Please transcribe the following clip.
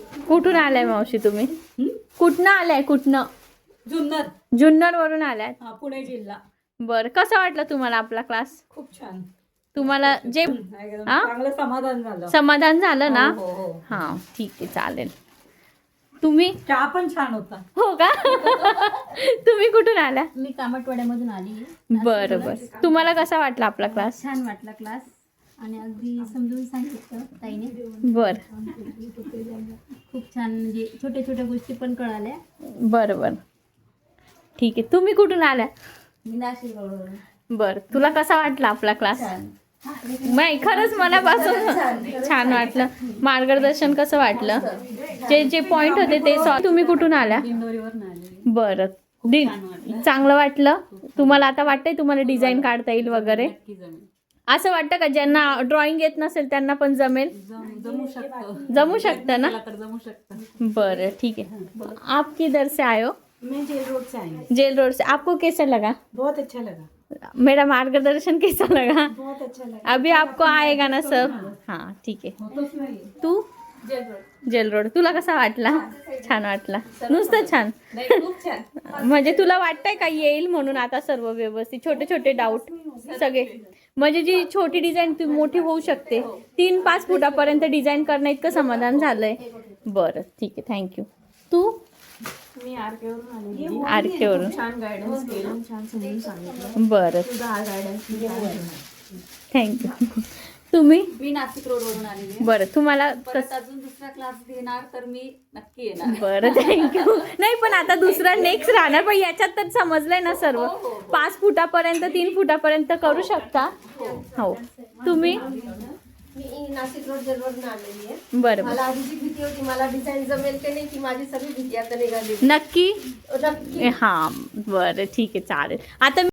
कुठून आलाय मावशी तुम्ही? कुठनं आलाय? कुठनं? जुन्नर वरून आलाय? पुणे जिल्हा. बरं, कसं वाटलं तुम्हाला आपला क्लास? खूप छान. तुम्हाला जे चांगलं समाधान झालं. समाधान झालं ना? हो, हो. हा ठीक आहे, चालेल. तुम्ही? चहा पण छान होता. हो का? तुम्ही कुठून आल्या? मी कामटवाड्यामधून आली. बरं बरं, तुम्हाला कसा वाटला आपला क्लास? छान वाटला क्लास आणि अगदी समजून सांगितलं ताईने. बरं खूप छान, म्हणजे छोट्या छोट्या गोष्टी पण कळाल्या. बरं बरं ठीक आहे. तुम्ही कुठून आल्या? मी नाशिक रोडवरून. बरं, तुला कसा वाटला आपला क्लास? नाही, खरंच मनापासून छान वाटलं. मार्गदर्शन कसं वाटलं? जे जे पॉइंट होते ते तुम्ही कुठून आल्या? इंदोरीवरून आले. बरं, चांगलं वाटलं तुम्हाला? आता वाटतंय तुम्हाला डिझाईन काढता येईल वगैरे? नक्की जमेल. असं वाटतं का ज्यांना ड्रॉइंग येत नसेल त्यांना पण जमेल? जमू शकतं. जमू शकतं ना? तर जमू शकतं. बरं ठीक है. आप किधर से आए हो? मैं जेल रोड से आई हूँ. जेल रोड से. आपको कैसा लगा? बहुत अच्छा लगा. मेरा मार्गदर्शन कैसा लगा? बहुत अच्छा लगा. अभी आपको आएगा ना सब? हाँ ठीक है. होतोच नाही. तू? Jail road. तुला कसा वाटला? छान वाटला? नुसतं छान? खूप छान. म्हणजे तुला वाटतंय का येईल म्हणून आता सर्व व्यवस्थित? छोटे छोटे डाऊट सगळे, म्हणजे जी छोटी डिझाईन ती मोठी होऊ शकते. 3-5 फुटापर्यंत डिझाईन करणं इतकं समाधान झालंय. बरं ठीक आहे, थँक्यू. तू? मी आरकेवरून आले. आरकेवरून. छान गायडन्स केलं, छान समजून सांगितलं. बरं तुझा हा गायडन्स थँक्यू. तुम्ही? मी नाशिक रोडवरून आलेली. बरं, तुम्हाला परत अजून दुसरा क्लास घेणार तर मी नक्की येणार. बरं थँक्यू. नाही पण आता दुसरा नेक्स्ट राहणार, पण याच्यात तर समजलंय ना सर्व? 5 फुटापर्यंत 3 फुटापर्यंत करू शकता. हो. तुम्ही? मी नाशिक रोड जेलवरून आलेली आहे. बरं मला आधीची भीती होती, मला डिझाईन जमेल की नाही, ती माझी सगळी भीती आता निघाली. नक्की? नक्की. हां बरं ठीक आहे, चालेल. आता